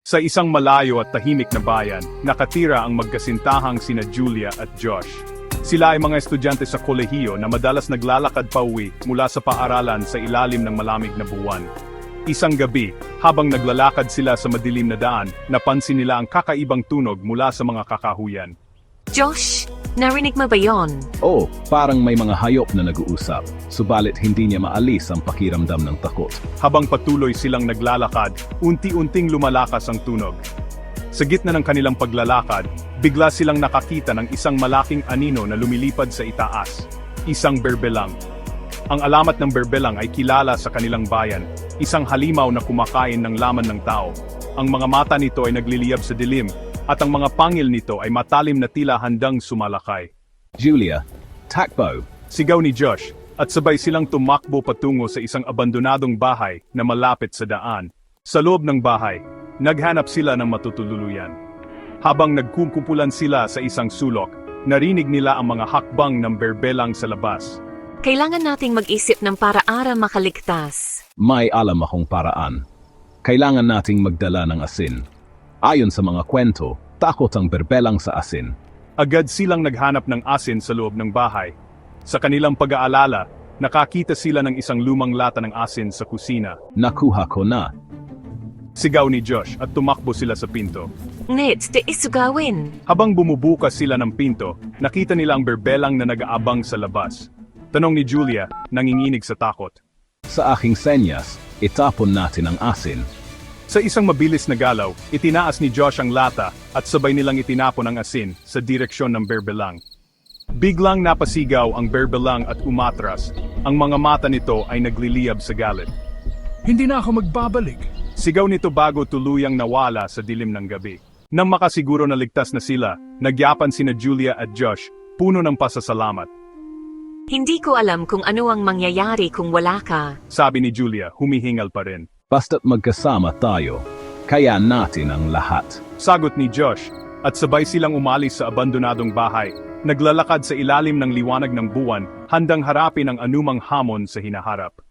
Sa isang malayo at tahimik na bayan, nakatira ang magkasintahang sina Julia at Josh. Sila ay mga estudyante sa kolehiyo na madalas naglalakad pauwi mula sa paaralan sa ilalim ng malamig na buwan. Isang gabi, habang naglalakad sila sa madilim na daan, napansin nila ang kakaibang tunog mula sa mga kakahuyan. Josh, narinig mo ba yon? Oh, parang may mga hayop na nag-uusap, subalit hindi niya maalis ang pakiramdam ng takot. Habang patuloy silang naglalakad, unti-unting lumalakas ang tunog. Sa gitna ng kanilang paglalakad, bigla silang nakakita ng isang malaking anino na lumilipad sa itaas. Isang berbelang. Ang alamat ng berbelang ay kilala sa kanilang bayan, isang halimaw na kumakain ng laman ng tao. Ang mga mata nito ay nagliliyab sa dilim, at ang mga pangil nito ay matalim na tila handang sumalakay. Julia, takbo! Sigaw ni Josh, at sabay silang tumakbo patungo sa isang abandonadong bahay na malapit sa daan. Sa loob ng bahay, naghanap sila ng matutuluyan. Habang nagkukumpulan sila sa isang sulok, narinig nila ang mga hakbang ng berbelang sa labas. Kailangan nating mag-isip ng para makaligtas. May alam akong paraan. Kailangan nating magdala ng asin. Ayon sa mga kwento, takot ang berbelang sa asin. Agad silang naghanap ng asin sa loob ng bahay. Sa kanilang pag-aalala, nakakita sila ng isang lumang lata ng asin sa kusina. Nakuha ko na. Sigaw ni Josh at tumakbo sila sa pinto. Nit, tiis gawin. Habang bumubukas sila ng pinto, nakita nila ang berbelang na nag-aabang sa labas. Tanong ni Julia, nanginginig sa takot. Sa aking senyas, itapon natin ang asin. Sa isang mabilis na galaw, itinaas ni Josh ang lata at sabay nilang itinapon ang asin sa direksyon ng berbelang. Biglang napasigaw ang berbelang at umatras. Ang mga mata nito ay nagliliyab sa galit. Hindi na ako magbabalik. Sigaw nito bago tuluyang nawala sa dilim ng gabi. Nang makasiguro na ligtas na sila, nagyapan sina Julia at Josh, puno ng pasasalamat. Hindi ko alam kung ano ang mangyayari kung wala ka. Sabi ni Julia, humihingal pa rin. Basta't magkasama tayo, kaya natin ang lahat. Sagot ni Josh, at sabay silang umalis sa abandonadong bahay, naglalakad sa ilalim ng liwanag ng buwan, handang harapin ang anumang hamon sa hinaharap.